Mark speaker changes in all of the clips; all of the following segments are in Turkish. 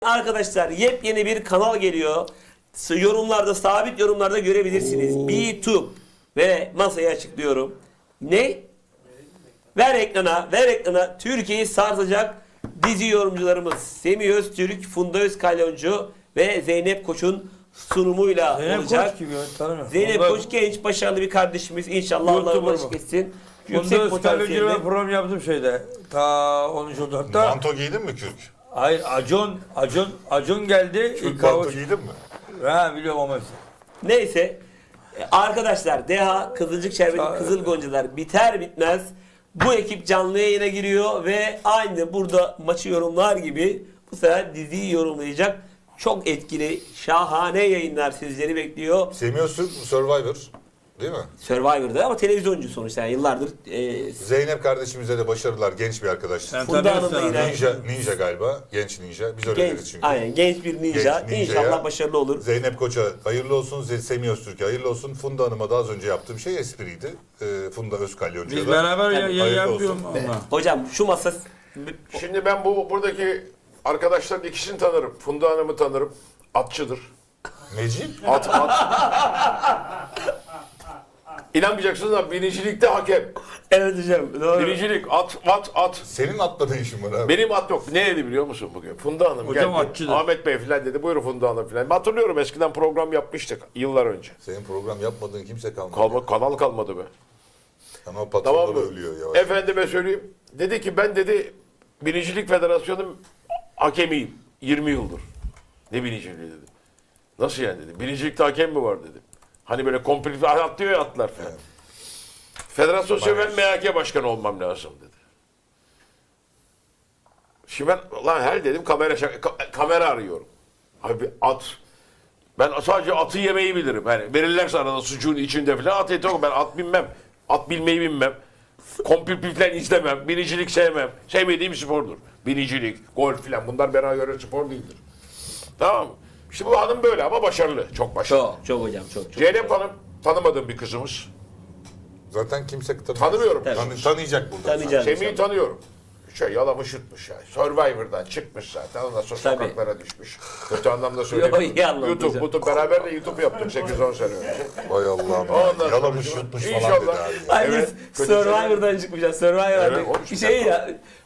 Speaker 1: Arkadaşlar yepyeni bir kanal geliyor. Yorumlarda, sabit yorumlarda görebilirsiniz. B2 ve masayı açıklıyorum. Ne? Ver ekrana. Türkiye'yi sarsacak dizi yorumcularımız Semih Öztürk, Funda Özkalyoncu ve Zeynep Koç'un sunumuyla olacak. Zeynep Koç genç, başarılı bir kardeşimiz. İnşallah Allah başlık etsin.
Speaker 2: Yüksek potansiyelde. Program yaptım şeyde. Ta 13 Ocak'ta.
Speaker 3: Manto giydin mi kürk?
Speaker 2: Hayır, Acun geldi.
Speaker 3: Kürk manto giydin mi?
Speaker 2: Ha, biliyorum ama.
Speaker 1: Neyse. Arkadaşlar Deha, Kızılcık Şerbeti, Kızıl Goncalar biter bitmez bu ekip canlı yayına giriyor ve aynı burada maçı yorumlar gibi bu sefer diziyi yorumlayacak. Çok etkili, şahane yayınlar sizleri bekliyor.
Speaker 3: Semih Öztürk Survivor değil mi?
Speaker 1: Survivor'da ama televizyoncu sonuçta yani yıllardır.
Speaker 3: Zeynep kardeşimize de başarılar. Genç bir arkadaş.
Speaker 1: Funda Hanım da yine
Speaker 3: Ninja galiba. Genç ninja. Biz öyle deriz çünkü.
Speaker 1: Aynen, genç bir ninja.
Speaker 3: Genç ninja'ya,
Speaker 1: İnşallah başarılı olur.
Speaker 3: Zeynep Koç'a hayırlı olsun. Semih Öztürk'e hayırlı olsun. Funda Hanım'a da az önce yaptığım şey espriydi. Funda Özkalyoncu'ya
Speaker 2: Biz
Speaker 3: da
Speaker 2: beraber
Speaker 3: hayırlı
Speaker 2: yapıyorum
Speaker 3: olsun.
Speaker 2: ama.
Speaker 1: Hocam şu masa...
Speaker 4: Şimdi ben buradaki arkadaşların ikisini tanırım. Funda Hanım'ı tanırım. Atçıdır.
Speaker 3: Neci?
Speaker 4: At. İnanmayacaksınız ama birincilikte hakem.
Speaker 1: Evet hocam. Doğru.
Speaker 4: Birincilik at.
Speaker 3: Senin atla ne işin var abi?
Speaker 4: Benim at yok. Ne dedi biliyor musun bugün? Funda Hanım
Speaker 2: Hocam
Speaker 4: geldi.
Speaker 2: atçıdır.
Speaker 4: Ahmet Bey falan dedi. Buyurun Funda Hanım falan. Ben hatırlıyorum eskiden program yapmıştık yıllar önce.
Speaker 3: Senin program yapmadığın kimse kalmadı.
Speaker 4: Kanal kalmadı be.
Speaker 3: Ama patronları
Speaker 4: Tamam mı?
Speaker 3: ölüyor yavaş.
Speaker 4: Efendime söyleyeyim. Dedi ki ben dedi Birincilik Federasyonu hakemiyim. 20 yıldır. Ne birinciliği dedi. Nasıl yani dedi. Birincilikte hakem mi var dedi. Hani böyle komple atlıyor ya atlar falan.
Speaker 3: Evet.
Speaker 4: Federasyon ben MHK başkanı olmam lazım dedi. Şimdi ben lan her dedim kamera arıyorum. Abi at. Ben sadece atı yemeyi bilirim. Yani verirlerse arada sucuğun içinde falan at eti yok. Ben at bilmem. At bilmeyi bilmem. Kompil falan izlemem. Binicilik sevmem. Sevmediğim spordur. Binicilik, golf falan bunlar bana göre spor değildir. Tamam mı? İşte bu hanım böyle ama başarılı. Çok başarılı.
Speaker 1: Çok hocam çok.
Speaker 4: Zeynep Hanım tanımadığım bir kızımız.
Speaker 3: Zaten kimse
Speaker 4: Tanımıyorum.
Speaker 3: Tanıyacak burada.
Speaker 1: Tanıyacağım.
Speaker 4: Semih'i tanıyorum. Yalamış yutmuş ya. Survivor'dan çıkmış zaten. Ondan sonra
Speaker 1: Tabii.
Speaker 4: sokaklara düşmüş. Kötü anlamda söylemiyorum.
Speaker 1: Yo, iyi anlamda hocam.
Speaker 4: YouTube beraber de YouTube yaptık 8-10 sene önce.
Speaker 3: Vay Allah'ım.
Speaker 4: Ondan sonra
Speaker 3: Yalamış yutmuş falan
Speaker 4: İnşallah.
Speaker 3: dedi abi.
Speaker 1: Ay
Speaker 4: Evet,
Speaker 1: biz
Speaker 4: kötü
Speaker 1: Survivor'dan çıkmışız. Survivor'dan
Speaker 4: Evet,
Speaker 1: bir şey ya.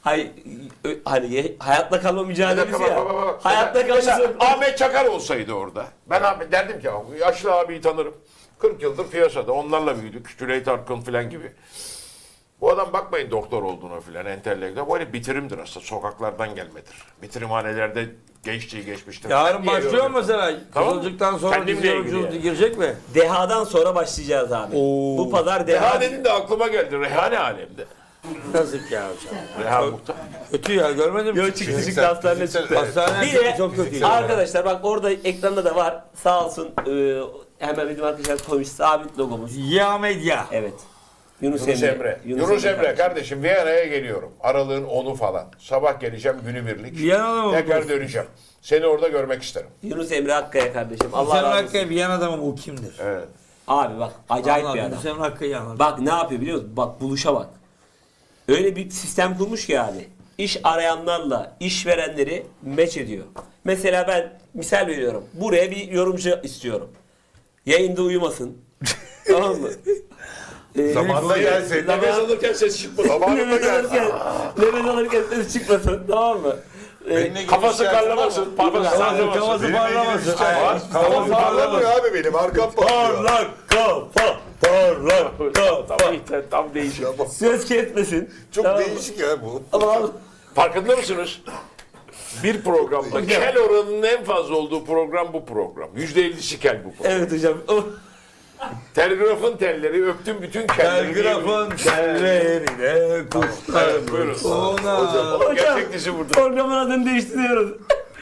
Speaker 1: Hani hayatta kalma mücadelesi ya. Hayatta
Speaker 4: Mesela
Speaker 1: kalması.
Speaker 4: Ahmet Çakar olsaydı orada. Ben Ahmet derdim ki yaşlı abiyi tanırım. 40 yıldır piyasada. Onlarla büyüdük. Cüneyt Arkın falan gibi. Bu adam bakmayın doktor olduğuna filan entelektüel. Böyle bitirimdir aslında. Sokaklardan gelmedir. Bitirimhanelerde gençliği geçmiştir.
Speaker 2: Yarın başlıyor mu mesela?
Speaker 4: Tamam.
Speaker 2: Kızılcık'tan sonra
Speaker 4: Kendimle
Speaker 2: dizi
Speaker 4: ilgili
Speaker 2: yorumculuğu
Speaker 4: yani.
Speaker 2: girecek mi?
Speaker 1: Deha'dan sonra başlayacağız abi. Bu pazar
Speaker 4: Reha
Speaker 1: Deha.
Speaker 4: dedin de aklıma geldi. Rehane alemde.
Speaker 2: Yazık ya hocam.
Speaker 4: Reha Muhtar.
Speaker 2: Kötü ya, görmedim.
Speaker 1: Yo çıktı hastaneye çıktı.
Speaker 2: Hastaneye
Speaker 1: Bir
Speaker 2: çıktı,
Speaker 1: de
Speaker 2: çok kötü.
Speaker 1: arkadaşlar bak orada ekranda da var. Sağ olsun hemen bizim arkadaşlar koymuş sabit logomuz.
Speaker 2: Ya Medya.
Speaker 1: Evet. Yunus
Speaker 4: Yunus
Speaker 1: Emre.
Speaker 4: Emre. Yunus Emre kardeşim Viyana'ya geliyorum. Aralığın 10'u falan. Sabah geleceğim günübirlik.
Speaker 2: Viyana'da mı
Speaker 4: Tekrar
Speaker 2: okuyorsun?
Speaker 4: döneceğim. Seni orada görmek isterim.
Speaker 1: Yunus Emre Akkaya kardeşim. Allah
Speaker 2: Hüseyin
Speaker 1: razı olsun.
Speaker 2: Hakkı Viyana'da mı, bu kimdir?
Speaker 4: Evet.
Speaker 1: Abi bak acayip bir adam.
Speaker 2: Hüseyin Hakkı'yı anladım.
Speaker 1: Bak ne yapıyor biliyor musun? Bak buluşa bak. Öyle bir sistem kurmuş ki abi. İş arayanlarla işverenleri meç ediyor. Mesela ben misal veriyorum. Buraya bir yorumcu istiyorum. Yayında uyumasın. Tamam mı?
Speaker 3: Zamanında gelsin.
Speaker 4: Nefes alırken ses çıkmasın. Zamanında
Speaker 1: Nefes
Speaker 4: gel.
Speaker 1: alırken, nefes alırken ses çıkmasın. Tamam mı?
Speaker 4: Kafası karlamasın. Kafası sallamasın.
Speaker 2: Kafası parlamasın.
Speaker 3: Kafam parlamıyor abi benim. Arkam patlıyor.
Speaker 1: Parlak kafa. Parlak kafa.
Speaker 4: Tam değişik.
Speaker 1: Söz kesmesin.
Speaker 3: Çok
Speaker 1: Tamam mı?
Speaker 3: değişik ya bu.
Speaker 1: Ama
Speaker 4: Farkında mısınız? Bir programda kel oranının en fazla olduğu program bu program. %50'si kel bu program.
Speaker 1: evet hocam.
Speaker 4: Telgrafın telleri öptüm bütün kelleri.
Speaker 2: Telgrafın tellerine kuşlar.
Speaker 4: Evet, buyurun.
Speaker 2: Ona.
Speaker 4: Gerçek dizi burada.
Speaker 1: Programın adını değiştiriyoruz.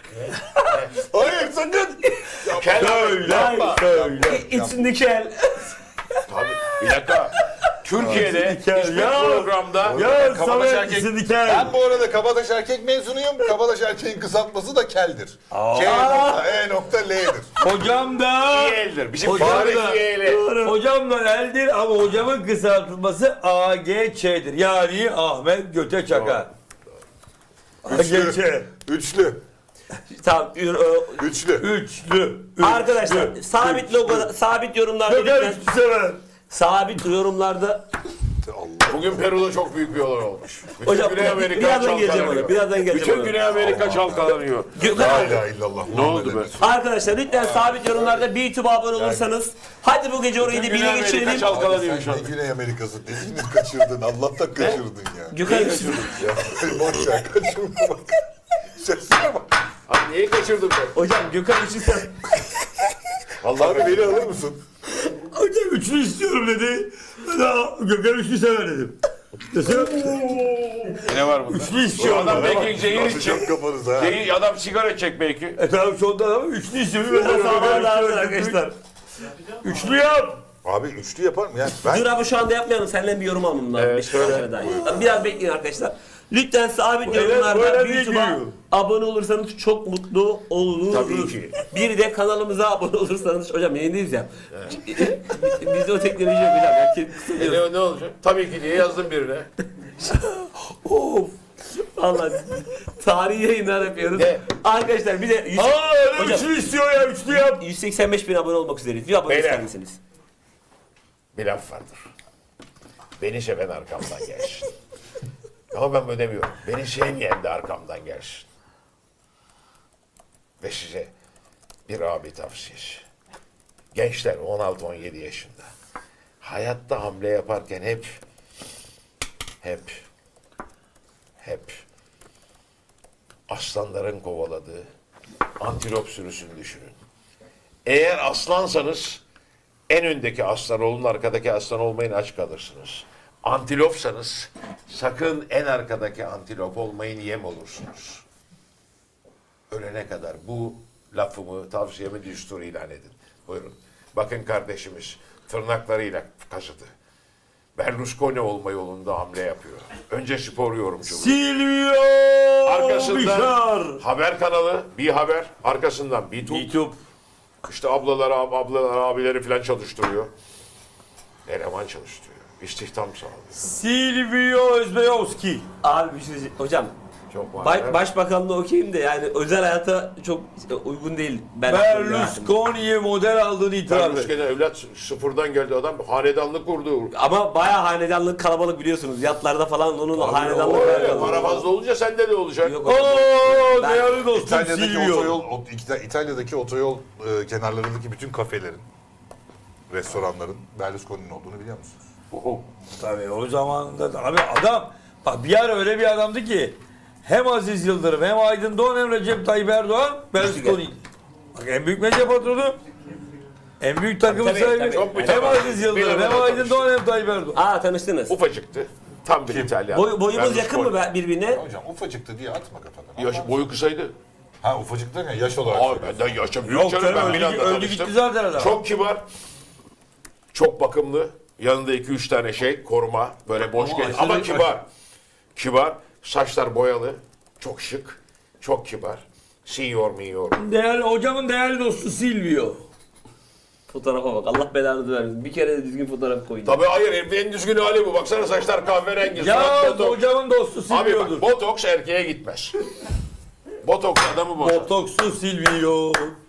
Speaker 3: Hayır sakın.
Speaker 4: Kel
Speaker 1: Hayır. İçindeki el.
Speaker 4: Tabii. Bir dakika. Türkiye'de hiçbir programda
Speaker 2: Ya
Speaker 3: Kabataş
Speaker 2: Samet
Speaker 3: erkek.
Speaker 2: Sindikel.
Speaker 3: Ben bu arada Kabataş erkek mezunuyum. Kabataş erkeğin kısaltması da keldir. K.E.L'dir.
Speaker 2: Hocam da.
Speaker 4: İyeldir. Bizim
Speaker 2: Hocam
Speaker 4: tarih
Speaker 2: da-
Speaker 4: iyeli.
Speaker 2: Hocam da eldir ama hocamın kısaltılması AGÇ'dir. Yani Ahmet Göte Çakar. AGÇ.
Speaker 3: Üçlü.
Speaker 1: Tamam.
Speaker 3: Üçlü.
Speaker 2: Üçlü.
Speaker 1: Arkadaşlar
Speaker 2: Üçlü.
Speaker 1: sabit logo, sabit yorumlarda
Speaker 2: Gökhan
Speaker 1: lütfen.
Speaker 2: üçlü sever.
Speaker 1: Sabit yorumlarda.
Speaker 3: Allah.
Speaker 4: Bugün Peru'da çok büyük bir olay olmuş. Bütün
Speaker 1: Hocam
Speaker 4: Güney Amerika
Speaker 1: birazdan geleceğim
Speaker 4: çalkalanıyor.
Speaker 1: ona. Birazdan geleceğim
Speaker 4: Bütün
Speaker 1: ona.
Speaker 4: Güney Amerika çalkalanıyor.
Speaker 1: Gökhan
Speaker 3: La
Speaker 1: abi.
Speaker 3: ilahe illallah.
Speaker 4: Ne oldu be?
Speaker 1: Arkadaşlar lütfen sabit yorumlarda YouTube'a abone olursanız. Hadi bu gece orayı da
Speaker 4: Güney
Speaker 1: bile
Speaker 4: Amerika
Speaker 1: geçirelim.
Speaker 4: çalkalanıyor şu
Speaker 3: Sen
Speaker 4: an.
Speaker 3: ne Güney Amerika'sı dediğini kaçırdın. Allah'tan kaçırdın ya.
Speaker 1: Gökhan
Speaker 3: Ya boş ver kaçırma bak. Sesine bak.
Speaker 4: Abi neyi kaçırdım ben?
Speaker 1: hocam Gökhan Üçlü
Speaker 3: Abi beni alır mısın?
Speaker 2: Hocam üçlü istiyorum dedi. Ben de Gökhan üçlü sever dedim. Mesela
Speaker 4: Ne var bunda?
Speaker 2: üçlü istiyorum.
Speaker 4: Adam
Speaker 2: ben.
Speaker 4: belki zehir içecek.
Speaker 3: Atacak kafanıza ha.
Speaker 4: Adam sigara içecek belki.
Speaker 2: Tamam şu anda ama üçlü istiyorum. Ben de Gökhan
Speaker 1: Sağlar
Speaker 2: üçlü
Speaker 1: arkadaşlar.
Speaker 2: Üçlü yap.
Speaker 3: Abi üçlü yapar mı? Yani ben
Speaker 1: Dur abi şu anda yapmayalım. Senden bir yorum almam lazım.
Speaker 4: Evet,
Speaker 1: Beşiktaş'a
Speaker 4: söyle.
Speaker 1: dair. Biraz bekleyin arkadaşlar. Lütfen sabit
Speaker 2: Evet,
Speaker 1: yorumlarda
Speaker 2: böyle bir
Speaker 1: YouTube'a
Speaker 2: giriyor.
Speaker 1: abone olursanız çok mutlu oluruz.
Speaker 4: Tabii ki.
Speaker 1: Bir de kanalımıza abone olursanız. Hocam yayındayız ya. Bizde o teknoloji yok hocam. Yani kısılıyoruz.
Speaker 4: Ne olacak? Tabii ki diye yazdım birine.
Speaker 1: Of. Valla tarihi yayınlar yapıyoruz.
Speaker 4: Ne?
Speaker 1: Arkadaşlar bir de
Speaker 2: Öyle
Speaker 1: Hocam.
Speaker 2: üçlü istiyor ya üçlü yap.
Speaker 1: 185 bin abone olmak üzereyiz. Bir abone
Speaker 4: Beyler.
Speaker 1: ister misiniz?
Speaker 4: Bir laf vardır. Beni seven arkamdan gelsin. Ama ben böyle demiyorum. Beni sevmeyen de arkamdan gelsin. Ve size bir abi tavsiyesi. Gençler 16-17 yaşında. Hayatta hamle yaparken hep aslanların kovaladığı antilop sürüsünü düşünün. Eğer aslansanız en öndeki aslan olun, arkadaki aslan olmayın, aç kalırsınız. Antilopsanız sakın en arkadaki antilop olmayın, yem olursunuz. Ölene kadar bu lafımı, tavsiyemi düstur ilan edin. Buyurun. Bakın kardeşimiz tırnaklarıyla kazıdı. Berlusconi olma yolunda hamle yapıyor. Önce spor yorumculuğu.
Speaker 2: Silvio
Speaker 4: Arkasından
Speaker 2: Bişar.
Speaker 4: haber kanalı, bir haber. Arkasından bir
Speaker 2: YouTube.
Speaker 4: İşte ablalar, abileri falan çalıştırıyor. Eleman çalıştırıyor. İstihdam sağlıyor.
Speaker 2: Silvio Özbeyovski.
Speaker 1: Abi bir şey diyeceğim. Hocam
Speaker 4: Çok var.
Speaker 1: başbakanlığı okeyim de yani özel hayata çok uygun değil.
Speaker 2: Berlusconi'ye model aldığını itiraf et.
Speaker 4: Berlusconi evlat sıfırdan geldi adam. Hanedanlık kurdu.
Speaker 1: Ama bayağı hanedanlık kalabalık biliyorsunuz. Yatlarda falan onun hanedanlık
Speaker 4: Öyle,
Speaker 1: kalabalık.
Speaker 4: para fazla olunca sende de olacak.
Speaker 1: Yok hocam.
Speaker 2: Ooo
Speaker 1: Ben-
Speaker 2: değerli dostum
Speaker 3: İtalya'daki
Speaker 2: Silvio.
Speaker 3: İtalya'daki otoyol kenarlarındaki bütün kafelerin, restoranların Berlusconi'nin olduğunu biliyor musunuz?
Speaker 2: Tabii o zamanında abi adam bak bir ara öyle bir adamdı ki hem Aziz Yıldırım hem Aydın Doğan hem Recep Tayyip Erdoğan Berlusconi. Bak en büyük medya patronu, en büyük takım
Speaker 1: Tabii,
Speaker 2: sahibi
Speaker 1: tabii.
Speaker 4: Çok
Speaker 2: hem
Speaker 4: mütevazı.
Speaker 2: Aziz Yıldırım
Speaker 4: Bir
Speaker 2: hem
Speaker 4: arada
Speaker 2: Aydın
Speaker 4: tanıştık.
Speaker 2: Doğan hem Tayyip Erdoğan.
Speaker 1: Aa tanıştınız.
Speaker 4: Ufacıktı. Tam bir İtalyan.
Speaker 1: Boyumuz
Speaker 4: Berlusconi.
Speaker 1: yakın mı birbirine?
Speaker 3: Hocam ufacıktı diye atma kafana.
Speaker 4: Boyu kısaydı.
Speaker 3: Ha ufacık derken yaş olarak.
Speaker 4: Abi benden yaşa büyük
Speaker 2: Yok
Speaker 4: canım.
Speaker 2: canım
Speaker 4: Ben
Speaker 2: öldü,
Speaker 4: Milan'da
Speaker 2: öldü
Speaker 4: tanıştım.
Speaker 2: gitti zaten adam.
Speaker 4: Çok kibar. Çok bakımlı. Yanında 2-3 tane koruma. Böyle boş gel. Ama
Speaker 2: aşırı-
Speaker 4: kibar. Kibar. Saçlar boyalı. Çok şık. Çok kibar. Senior.
Speaker 2: Değerli hocamın değerli dostu Silvio.
Speaker 1: Fotoğrafa bak. Allah belanı vermesin. Bir kere de düzgün fotoğraf koyun.
Speaker 4: Tabii hayır herifin en düzgün hali bu. Baksana saçlar kahverengi.
Speaker 2: Ya
Speaker 4: surat botoks.
Speaker 2: hocamın dostu
Speaker 4: Abi
Speaker 2: Silvio'dur.
Speaker 4: bak botoks erkeğe gitmez. Botoks adamı bozar.
Speaker 2: Botokslu Silvio.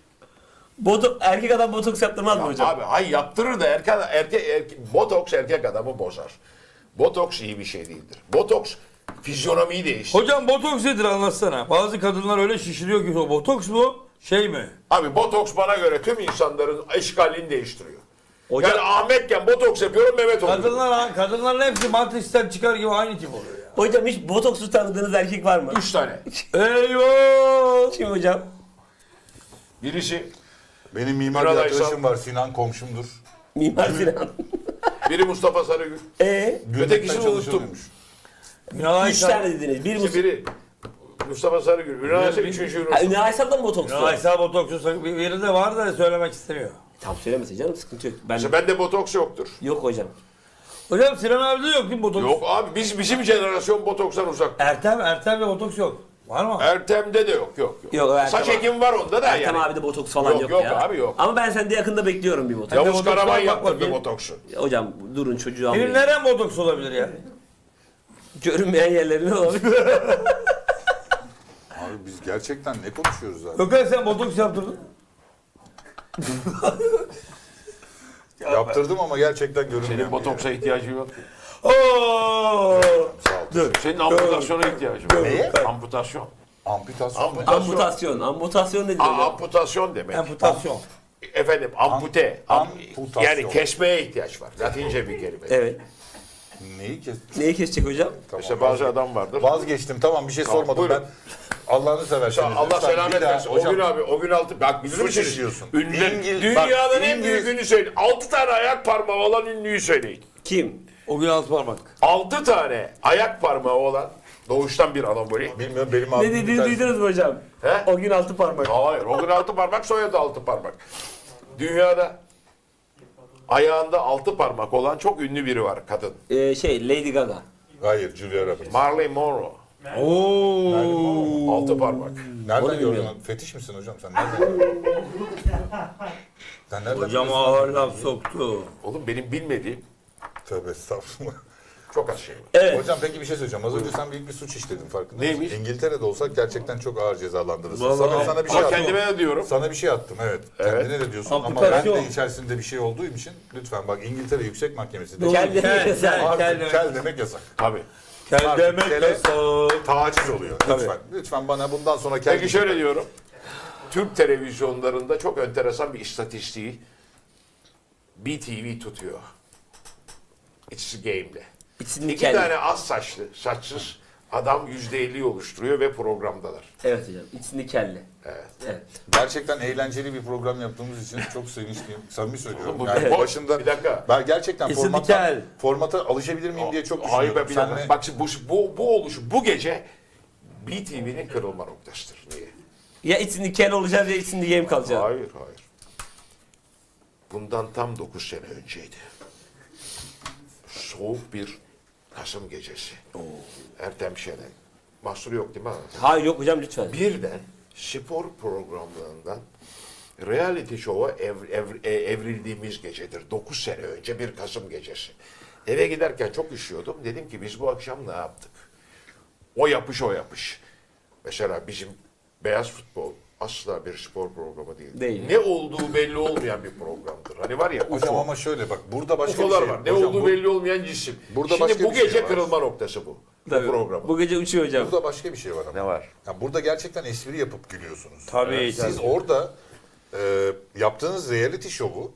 Speaker 1: Erkek adam botoks yaptırmaz mı hocam?
Speaker 4: Abi hay yaptırır da botoks erkek adamı bozar. Botoks iyi bir şey değildir. Botoks fizyonomiyi değiştirir.
Speaker 2: Hocam botoks nedir anlatsana. Bazı kadınlar öyle şişiriyor ki o botoks mu? Şey mi?
Speaker 4: Abi botoks bana göre tüm insanların eşkalini değiştiriyor.
Speaker 1: Hocam-
Speaker 4: Yani Ahmetken botoks yapıyorum Mehmet oluyor.
Speaker 2: Kadınların hepsi Matrix'ten çıkar gibi aynı tip oluyor ya.
Speaker 1: Hocam hiç botoksuz tanıdığınız erkek var mı?
Speaker 4: 3 tane.
Speaker 2: Eyvah!
Speaker 1: Kim hocam?
Speaker 4: Birisi,
Speaker 3: Benim mimar
Speaker 4: Ünal
Speaker 3: bir
Speaker 4: Aysal.
Speaker 3: arkadaşım var, Sinan komşumdur.
Speaker 1: Mimar Sinan.
Speaker 4: biri Mustafa Sarıgül.
Speaker 3: Gülmekten
Speaker 4: Ötekisini unuttum.
Speaker 3: çalışıyormuş.
Speaker 2: Ünal
Speaker 1: Üç
Speaker 2: Aysal.
Speaker 1: tane dediniz. Bir
Speaker 4: İşte biri Mustafa Sarıgül. Ünal Aysal üçüncü
Speaker 1: Ha,
Speaker 4: Ünal.
Speaker 1: Ünal Aysal'da mı botokslu?
Speaker 2: Ünal Aysal botoksu biri de var da söylemek istemiyor.
Speaker 1: Tam söylemesin canım sıkıntı yok. Ben
Speaker 4: İşte bende botoks yoktur.
Speaker 1: yok hocam.
Speaker 2: Hocam Sinan abi de yok değil mi botoks?
Speaker 4: Yok abi bizim jenerasyon botokstan uzak.
Speaker 2: Ertem'de botoks yok. Var mı?
Speaker 4: Ertem'de de yok.
Speaker 1: Yok, Ertem
Speaker 4: Saç
Speaker 1: abi.
Speaker 4: ekimi var onda da
Speaker 1: Ertem
Speaker 4: yani.
Speaker 1: abi de botoks falan yok,
Speaker 4: Yok
Speaker 1: ya.
Speaker 4: abi, yok.
Speaker 1: Ama ben sende yakında bekliyorum bir botoks.
Speaker 2: Ya-
Speaker 4: Yavuz
Speaker 2: botoks var,
Speaker 4: Karaman
Speaker 2: bak
Speaker 4: yaptırdı
Speaker 2: bakayım.
Speaker 4: botoksu.
Speaker 1: Hocam durun çocuğu
Speaker 2: Benim
Speaker 1: almayın.
Speaker 2: nerem botoks olabilir ya?
Speaker 1: Görünmeyen yerlerine olabilir.
Speaker 3: Abi biz gerçekten ne konuşuyoruz abi?
Speaker 2: Gökhan sen botoks yaptırdın.
Speaker 3: Yaptırdım ama gerçekten görünmüyor.
Speaker 4: Senin botoksa ihtiyacın yok.
Speaker 2: Oo!
Speaker 3: Sağ ol.
Speaker 2: Dur.
Speaker 4: Senin amputasyona ihtiyacın var.
Speaker 3: Neye?
Speaker 4: Amputasyon.
Speaker 3: Amputasyon.
Speaker 1: Amputasyon. Amputasyon nedir hocam?
Speaker 4: Amputasyon demek.
Speaker 2: Amputasyon.
Speaker 4: Efendim ampute.
Speaker 3: Amputasyon.
Speaker 4: Yani kesmeye ihtiyaç var. Latince bir kelime.
Speaker 1: Evet.
Speaker 3: Neyi kes?
Speaker 1: Neyi kesecek hocam?
Speaker 4: İşte bazı adam vardır.
Speaker 3: Vazgeçtim, tamam, bir şey
Speaker 4: Tamam,
Speaker 3: sormadım
Speaker 4: buyurun.
Speaker 3: ben. Allah'ını severseniz.
Speaker 4: Allah
Speaker 3: lütfen
Speaker 4: selamet
Speaker 3: bir daha-
Speaker 4: versin. O
Speaker 3: hocam,
Speaker 4: gün abi, o gün altı. Bak bilir
Speaker 3: Suç
Speaker 4: misiniz?
Speaker 3: işliyorsun.
Speaker 4: Ünlü,
Speaker 3: bak,
Speaker 4: dünyanın en
Speaker 3: İngiliz-
Speaker 4: büyük ünlü söyleyin. 6 tane ayak parmağı olan ünlüyü söyleyin.
Speaker 1: Kim?
Speaker 2: O gün altı parmak.
Speaker 4: 6 tane ayak parmağı olan doğuştan bir anaboli.
Speaker 3: Bilmiyorum, benim
Speaker 1: Ne
Speaker 3: abim bir
Speaker 1: dediğini
Speaker 3: tanesi-
Speaker 1: duydunuz mu hocam?
Speaker 4: He?
Speaker 1: O gün 6 parmak.
Speaker 4: Hayır. O gün 6 parmak, soyadı 6 parmak. Dünyada ayağında 6 parmak olan çok ünlü biri var, kadın.
Speaker 1: Lady Gaga.
Speaker 3: Hayır, Julia Roberts.
Speaker 4: Marilyn Monroe.
Speaker 2: Oo.
Speaker 4: 6 parmak.
Speaker 3: Nereden
Speaker 1: Onu
Speaker 3: gördün?
Speaker 1: bilmiyorum.
Speaker 3: Fetiş misin hocam sen? Nereden gördün? Sen nereden
Speaker 2: Hocam
Speaker 3: biliyorsun?
Speaker 2: ağır laf soktu.
Speaker 4: Oğlum benim bilmediğim
Speaker 3: Tövbe estağfurullah.
Speaker 4: çok az şey var.
Speaker 1: Evet.
Speaker 3: Hocam peki bir şey söyleyeceğim. Az önce sen büyük bir suç işledin, farkında mısın?
Speaker 4: Neymiş?
Speaker 3: İngiltere'de olsak gerçekten çok ağır cezalandırırsın.
Speaker 2: Vallahi-
Speaker 3: Sana bir şey
Speaker 4: Ama
Speaker 3: attım.
Speaker 4: kendime de diyorum.
Speaker 3: Sana bir şey attım, evet. Kendine de diyorsun ama ben
Speaker 2: Amputasyon.
Speaker 3: de içerisinde bir şey olduğu için lütfen bak, İngiltere Yüksek Mahkemesi de
Speaker 1: Kendine
Speaker 2: Kel,
Speaker 1: yasak.
Speaker 2: kel,
Speaker 3: artık
Speaker 2: kel.
Speaker 3: kel demek yasak.
Speaker 4: Tabii.
Speaker 2: Kel
Speaker 3: Artık
Speaker 2: demek
Speaker 3: kele-
Speaker 2: yasak.
Speaker 3: Taciz oluyor. Lütfen. Lütfen bana bundan sonra kel...
Speaker 4: Peki şöyle diyorum. Türk televizyonlarında çok enteresan bir istatistiği BTV tutuyor. It's Game'de.
Speaker 1: İçinde
Speaker 4: İki
Speaker 1: kel.
Speaker 4: tane az saçlı, saçsız adam %50'yi oluşturuyor ve programdalar.
Speaker 1: Evet hocam. İçinde kelle.
Speaker 4: Evet.
Speaker 1: Evet.
Speaker 3: Gerçekten eğlenceli bir program yaptığımız için çok sevinçliyim. Samimi söylüyorum.
Speaker 4: Bu-
Speaker 3: Yani
Speaker 4: bu-
Speaker 3: başında
Speaker 4: bir dakika.
Speaker 3: ben gerçekten
Speaker 2: Kesinlikle kel.
Speaker 3: formata alışabilir miyim diye çok
Speaker 4: Hayır
Speaker 3: düşünüyorum.
Speaker 4: be bir dakika.
Speaker 3: Senle-
Speaker 4: Bak şimdi bu oluşu bu gece BTV'nin kırılma noktasıdır. Niye?
Speaker 1: Ya içinde kel olacağız ya içinde yem kalacağız.
Speaker 4: Hayır. Bundan tam 9 sene önceydi. Soğuk bir Kasım gecesi. Ertem Şener. Mahsur yok değil mi?
Speaker 1: Hayır yok hocam lütfen.
Speaker 4: Birden spor programlarından reality show'a evrildiğimiz gecedir. 9 sene önce bir Kasım gecesi. Eve giderken çok üşüyordum. Dedim ki biz bu akşam ne yaptık? O yapış. Mesela bizim beyaz futbol asla bir spor programı değil.
Speaker 1: Değil.
Speaker 4: Ne olduğu belli olmayan bir programdır. Hani var ya
Speaker 3: Hocam
Speaker 4: UFO.
Speaker 3: ama şöyle bak, burada başka
Speaker 4: UFO'lar
Speaker 3: bir şey
Speaker 4: var. Ne
Speaker 3: Hocam,
Speaker 4: olduğu
Speaker 3: bu-
Speaker 4: belli olmayan cisim.
Speaker 3: Burada
Speaker 4: Şimdi
Speaker 3: başka
Speaker 4: bu
Speaker 3: bir şey
Speaker 4: gece
Speaker 3: var.
Speaker 4: kırılma noktası bu.
Speaker 1: Tabii.
Speaker 4: Bu program.
Speaker 1: Bu gece uçuyor hocam.
Speaker 3: Burada başka bir şey var ama.
Speaker 4: Ne var?
Speaker 3: Ya burada gerçekten espri yapıp gülüyorsunuz.
Speaker 2: Tabii.
Speaker 3: Siz orada yaptığınız reality show'u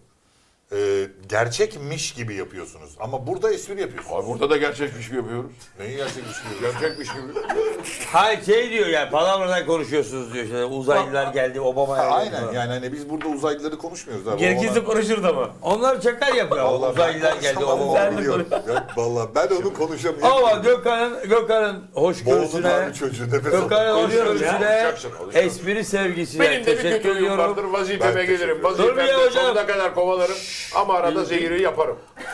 Speaker 3: gerçekmiş gibi yapıyorsunuz. Ama burada espri yapıyorsunuz.
Speaker 4: Abi burada da gerçekmiş gibi yapıyoruz.
Speaker 3: Neyi gerçekmiş gibi yapıyorsunuz?
Speaker 4: Gerçekmiş gibi.
Speaker 2: Hayır şey diyor yani palavradan konuşuyorsunuz diyor. İşte uzaylılar geldi Obama'ya geldi
Speaker 3: Aynen,
Speaker 2: falan.
Speaker 3: yani hani biz burada uzaylıları konuşmuyoruz abi.
Speaker 1: Gerekirse konuşurdu ama.
Speaker 2: Onlar şaka yapıyor.
Speaker 3: Vallahi
Speaker 2: Uzaylılar
Speaker 3: ben
Speaker 2: geldi
Speaker 3: konuşamam,
Speaker 2: Obama.
Speaker 1: Sen de
Speaker 3: biliyorum. Ya vallahi ben onu konuşamıyorum.
Speaker 2: Ama Gökhan'ın
Speaker 3: Boğdun
Speaker 2: hoşgörüsüne,
Speaker 3: abi çocuğu, nefes
Speaker 2: Gökhan'ın
Speaker 3: alın.
Speaker 2: hoşgörüsüne,
Speaker 4: Konuşacaksın.
Speaker 2: espri sevgisine
Speaker 4: Benim de bir
Speaker 2: teşekkür
Speaker 4: kötü huyum vardır.
Speaker 2: ediyorum.
Speaker 4: Vazifeme
Speaker 3: Ben
Speaker 4: gelirim.
Speaker 3: teşekkür
Speaker 2: ederim. Dur bir
Speaker 4: Vazifemde
Speaker 2: ya hocam.
Speaker 4: sonuna kadar kovalarım. Ama arada zehiri yaparım.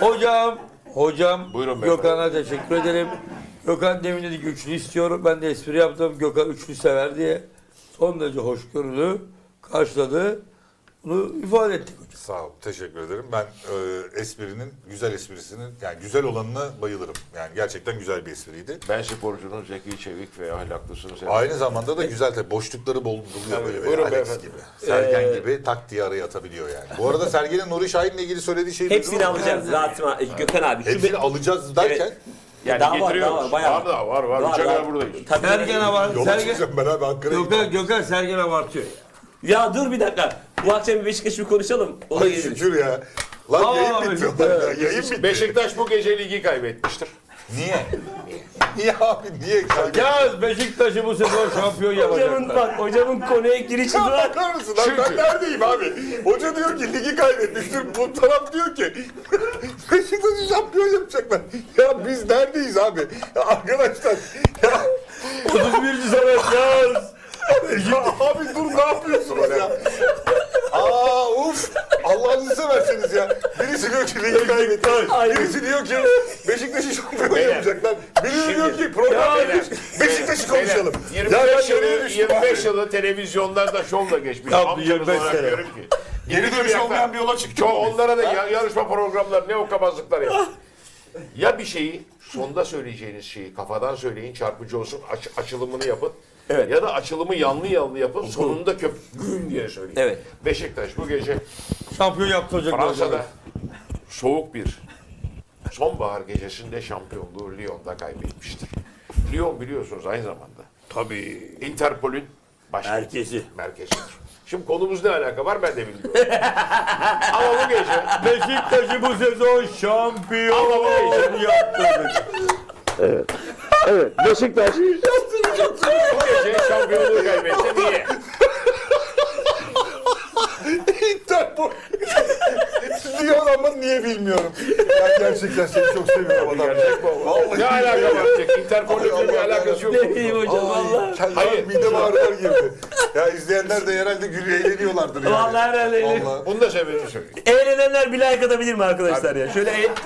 Speaker 2: Hocam
Speaker 4: Buyurun beyefendi.
Speaker 2: Gökhan'a teşekkür ederim. Gökhan demin dedi ki üçlü istiyorum. Ben de espri yaptım. Gökhan üçlü sever diye. Son derece hoşgörülü karşıladı. Bunu ifade ettik hocam.
Speaker 3: Sağ ol, teşekkür ederim. Ben esprinin, güzel esprisinin, yani güzel olanına bayılırım. Yani gerçekten güzel bir espriydi.
Speaker 4: Ben sporcunun zeki, çevik ve ahlaklısını severim.
Speaker 3: Aynı zamanda da güzel tabii, boşlukları buluyor böyle.
Speaker 4: Buyurun
Speaker 3: Alex
Speaker 4: beyefendi.
Speaker 3: gibi. Sergen gibi tak diye araya atabiliyor yani. Bu arada Sergen'in Nuri Şahin'le ilgili söylediği şeyi
Speaker 1: Hepsini
Speaker 3: duydun mu?
Speaker 1: alacağız Gökhan abi. Şu
Speaker 3: Hepsini
Speaker 1: be-
Speaker 3: alacağız derken
Speaker 4: Yani
Speaker 1: daha var,
Speaker 4: getiriyoruz.
Speaker 1: daha var, bayağı
Speaker 4: Var da var.
Speaker 1: Var,
Speaker 4: Üçe kadar
Speaker 1: var.
Speaker 4: buradayız.
Speaker 1: Tabii.
Speaker 2: Sergen var.
Speaker 3: yola çıkacağım ben abi Ankara'ya gideceğim.
Speaker 2: Gökhan Sergen abartıyor.
Speaker 1: Ya dur bir dakika. Bu akşam bir Beşiktaş'ı bir konuşalım. Ona
Speaker 3: Ay
Speaker 1: geliriz.
Speaker 3: şükür ya. Lan
Speaker 2: Aa,
Speaker 3: yayın bitti. Ya, yayın bitti.
Speaker 4: Beşiktaş bu gece ligi kaybetmiştir.
Speaker 3: Niye? Niye abi? Niye kaybettin?
Speaker 2: Ya Beşiktaş'ı bu sezon şampiyon
Speaker 1: Hocamın
Speaker 2: yapacaklar.
Speaker 1: hocamın konuya girişi var.
Speaker 3: Bakar mısın lan? Ben neredeyim abi? Hoca diyor ki ligi kaybetmiştir. Bu taraf diyor ki Beşiktaş'ı şampiyon yapacaklar. Ya biz neredeyiz abi? Ya arkadaşlar. Ya,
Speaker 2: 31. sene yaz.
Speaker 3: ya abi dur, ne yapıyorsunuz ya? Aa uf! Allah'ınızı seversiniz ya. Birisi diyor ki ligi kaybetti. Birisi diyor ki Beşiktaş'ı şampiyon
Speaker 4: Beyler,
Speaker 3: yapacaklar. Birisi diyor ki program
Speaker 4: beyler,
Speaker 3: yapmış. Beşiktaş'ı konuşalım.
Speaker 4: Beyler,
Speaker 3: Ya
Speaker 4: 25
Speaker 3: ben nereye
Speaker 4: yılı,
Speaker 3: düştüm
Speaker 4: 25
Speaker 3: abi?
Speaker 4: yılı televizyonlarda şovla geçmiş.
Speaker 2: Yaptı,
Speaker 4: Amcanız
Speaker 2: 25
Speaker 4: olarak
Speaker 2: sene.
Speaker 4: diyorum ki.
Speaker 3: Geri dönüş olmayan bir yola çıktı.
Speaker 4: Onlara da yarışma programları ne okabazlıklar yapıyor. Ya bir şeyi sonda söyleyeceğiniz şeyi kafadan söyleyin, çarpıcı olsun, açılımını yapın.
Speaker 1: Evet.
Speaker 4: Ya da açılımı yanlı yapın sonunda güm diye söyleyin.
Speaker 1: Evet.
Speaker 4: Beşiktaş bu gece
Speaker 2: Şampiyon yaptıracak.
Speaker 4: Fransa'da soğuk bir sonbahar gecesinde şampiyonluğu Lyon'da kaybetmiştir. Lyon biliyorsunuz aynı zamanda
Speaker 2: Tabii.
Speaker 4: Interpol'ün
Speaker 2: Merkezi.
Speaker 4: merkezidir. Şimdi konumuz ne alaka var ben de bilmiyorum. Ama bu gece
Speaker 2: Beşiktaş'ı bu sezon şampiyon
Speaker 4: Ama bu
Speaker 2: yaptırdık.
Speaker 4: Beşiktaş bu gece şampiyonluğu kaybetti. Niye?
Speaker 3: Interpol. Diyor ama niye bilmiyorum. Ya gerçekten seni çok seviyorum adam.
Speaker 4: Gerçek mi o? Ne alaka var? Interpol'le bir alakası yok.
Speaker 1: Ne diyeyim hocam valla.
Speaker 3: Hayır.
Speaker 4: Hayır.
Speaker 3: Midem ağrılar girdi. Ya izleyenler de herhalde gülüyor eğleniyorlardır yani.
Speaker 1: Vallahi herhalde eğleniyor.
Speaker 3: Vallahi.
Speaker 4: Bunu da sebebini söyleyeyim.
Speaker 1: Eğlenenler bir like atabilir mi arkadaşlar ya? Şöyle
Speaker 4: Niye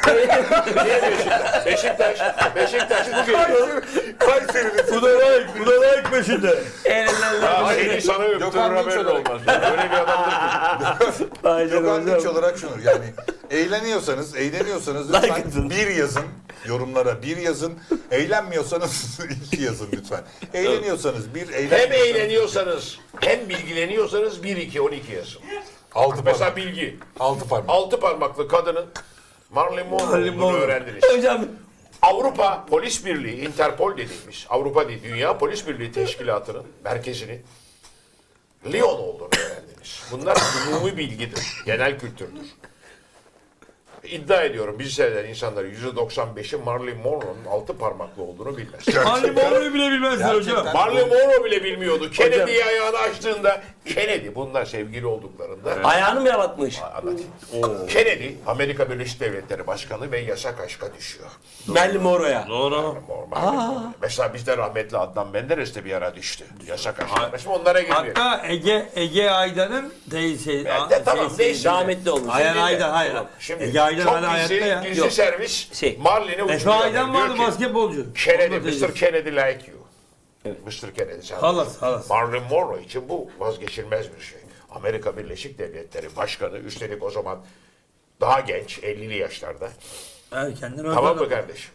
Speaker 4: Beşiktaş? Beşiktaş bu gece.
Speaker 3: Kayseri'nin
Speaker 2: Bu da like, bu da like peşinde.
Speaker 1: eğlenenler.
Speaker 4: Ya seni sana öptürür
Speaker 3: Gökhan Dinç
Speaker 4: haberin
Speaker 3: olarak.
Speaker 4: olmaz. Öyle bir adamdır ki.
Speaker 1: Ay canım
Speaker 3: Gökhan Dinç
Speaker 1: hocam.
Speaker 3: olarak şunu yani eğleniyorsanız
Speaker 1: Like
Speaker 3: lütfen
Speaker 1: atın.
Speaker 3: bir yazın yorumlara bir yazın. Eğlenmiyorsanız iki yazın lütfen. Eğleniyorsanız bir
Speaker 4: Hem eğleniyorsanız hem bilgileniyorsanız 1 2 12 yazın.
Speaker 3: altı
Speaker 4: Mesela
Speaker 3: parmak.
Speaker 4: bilgi.
Speaker 3: Altı parmak.
Speaker 4: 6 parmaklı kadının Marilyn Monroe olduğunu öğrendiniz.
Speaker 1: Hocam
Speaker 4: Avrupa Polis Birliği, Interpol dediğimiz, Avrupa değil, Dünya Polis Birliği Teşkilatı'nın merkezinin Lyon olduğunu öğrendiniz. Bunlar umumi bilgidir, genel kültürdür. İddia ediyorum bizi seyreden insanların %95'i Marilyn Monroe'nun 6 parmaklı olduğunu bilmez.
Speaker 2: Hani Monroe'yu bile bilmezler hocam.
Speaker 3: Gerçekten.
Speaker 4: Marilyn Monroe bile bilmiyordu. Kennedy'yi ayağını açtığında, Kennedy bunlar sevgili olduklarında
Speaker 1: ayağını mı yalatmış?
Speaker 4: anlatayım. Kennedy Amerika Birleşik Devletleri Başkanı ve yasak aşka düşüyor.
Speaker 1: Marilyn Monroe'ya.
Speaker 2: Doğru.
Speaker 4: Normal. Mesela bizde rahmetli Adnan Menderes de bir ara düştü. Yasak aşka. Şimdi onlara girmiyor.
Speaker 2: Hatta Ege Aydan'ın teyze.
Speaker 4: Ben de tamam neyse.
Speaker 1: Rahmetli olmuş.
Speaker 2: Ayhan Aydan, hayır.
Speaker 4: Şimdi
Speaker 2: Ege Aydan
Speaker 4: çok
Speaker 2: hala hayatta ya.
Speaker 4: gizli
Speaker 1: Yok.
Speaker 4: servis
Speaker 1: Şey.
Speaker 4: Marlin'e
Speaker 2: Efe
Speaker 4: uçuruyor.
Speaker 2: Aydan
Speaker 4: Diyor
Speaker 2: vardı
Speaker 4: ki,
Speaker 2: basketbolcu.
Speaker 4: Kennedy,
Speaker 2: Onun da teyzesi.
Speaker 4: Mr. Kennedy like you. Mr. Kennedy sen.
Speaker 2: Halas.
Speaker 4: Marilyn Monroe için bu vazgeçilmez bir şey. Amerika Birleşik Devletleri Başkanı, üstelik o zaman daha genç, 50'li yaşlarda.
Speaker 2: Erkenden
Speaker 4: Tamam
Speaker 2: öldü.
Speaker 4: mı kardeşim?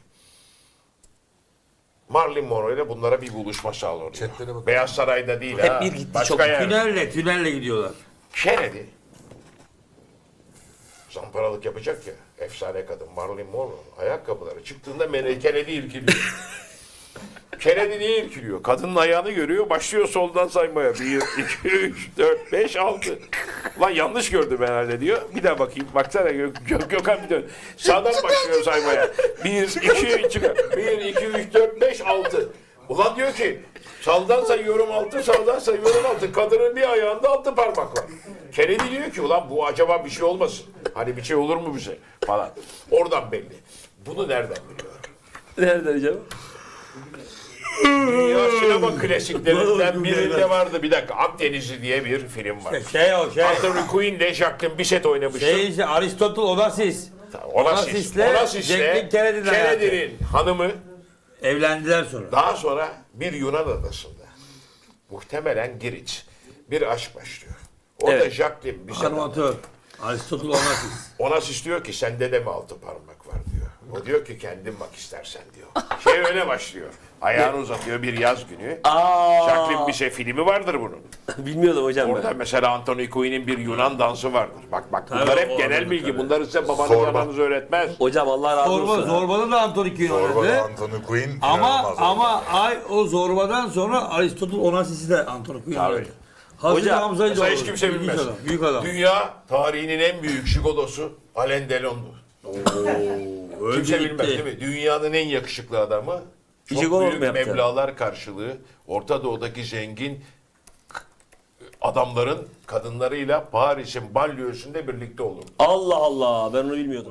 Speaker 4: Marilyn Monroe ile bunlara bir buluşma sağlanıyor.
Speaker 3: Chatlere bak.
Speaker 4: Beyaz Saray'da değil
Speaker 1: Hep
Speaker 4: ha.
Speaker 1: bir gitti,
Speaker 4: Başka
Speaker 1: çok.
Speaker 4: yerde.
Speaker 2: Tünelle gidiyorlar.
Speaker 4: Kennedy zamparalık yapacak ya, efsane kadın Marilyn Monroe ayakkabıları çıktığında Kennedy irkiliyor. Kennedy niye irkiliyor? Kadının ayağını görüyor, başlıyor soldan saymaya. 1, 2, 3, 4, 5, 6. Lan yanlış gördüm herhalde diyor. Bir daha bakayım. Baksana Gökhan bir dön. Sağdan başlıyor saymaya. 1, 2, 3, 1, 2, 3, 4, 5, 6. Ulan diyor ki sağdan sayıyorum 6, sağdan sayıyorum 6. Kadının bir ayağında 6 parmak var. Kennedy diyor ki ulan bu acaba bir şey olmasın. Hani bir şey olur mu bize falan. Oradan belli. Bunu nereden biliyor?
Speaker 1: Nereden hocam?
Speaker 4: Dünya sinema klasiklerinden birinde vardı. Bir dakika, Akdenizli diye bir film var. Anthony Quinn ile Jacqueline Bisset oynamıştı.
Speaker 2: Aristotle Onassis.
Speaker 4: Onassis'le
Speaker 2: Jacqueline Kennedy'nin hayatı.
Speaker 4: Kennedy'nin hanımı
Speaker 2: Evlendiler sonra.
Speaker 4: daha sonra bir Yunan adasında muhtemelen Girit bir aşk başlıyor. Orada
Speaker 1: Evet.
Speaker 4: Jacqueline Bisset
Speaker 2: Animatör. Aristotle Onassis.
Speaker 4: Onassis diyor ki sende de mi 6 parmak var diyor. O diyor ki kendin bak istersen diyor. Şey öyle başlıyor. Ayağını uzatıyor bir yaz günü. Jacqueline Bisset filmi vardır bunun.
Speaker 1: Bilmiyordum hocam
Speaker 4: Orada
Speaker 1: ben.
Speaker 4: mesela Anthony Quinn'in bir Yunan dansı vardır. Bak bunlar
Speaker 2: Tabii,
Speaker 4: hep
Speaker 2: o
Speaker 4: genel
Speaker 2: arada
Speaker 4: bilgi.
Speaker 2: tabii.
Speaker 4: Bunları size babanız
Speaker 3: Zorba.
Speaker 4: ananız öğretmez.
Speaker 1: Hocam Allah razı olsun.
Speaker 2: Zorba'da da Anthony Quinn
Speaker 3: Zorba'da
Speaker 2: oynadı.
Speaker 3: Anthony Quinn
Speaker 2: Ama o Zorba'dan sonra Aristotle Onassis'i de Anthony Quinn
Speaker 4: Tabii.
Speaker 2: oynadı. Hazreti
Speaker 1: Hocam,
Speaker 2: Hamza'yı da
Speaker 4: Mesela hiç
Speaker 2: oynadı.
Speaker 4: kimse
Speaker 2: İlginç
Speaker 4: bilmez.
Speaker 2: adam, büyük adam.
Speaker 4: Dünya tarihinin en büyük jigolosu Alain Delon'du. Kimse
Speaker 2: gitti.
Speaker 4: bilmez değil mi? Dünyanın en yakışıklı adamı. Çok
Speaker 1: Jigolo
Speaker 4: büyük
Speaker 1: mu yaptı?
Speaker 4: meblağlar karşılığı Orta Doğu'daki zengin adamların kadınlarıyla Paris'in banliyösünde birlikte olur.
Speaker 1: Allah Allah ben onu bilmiyordum.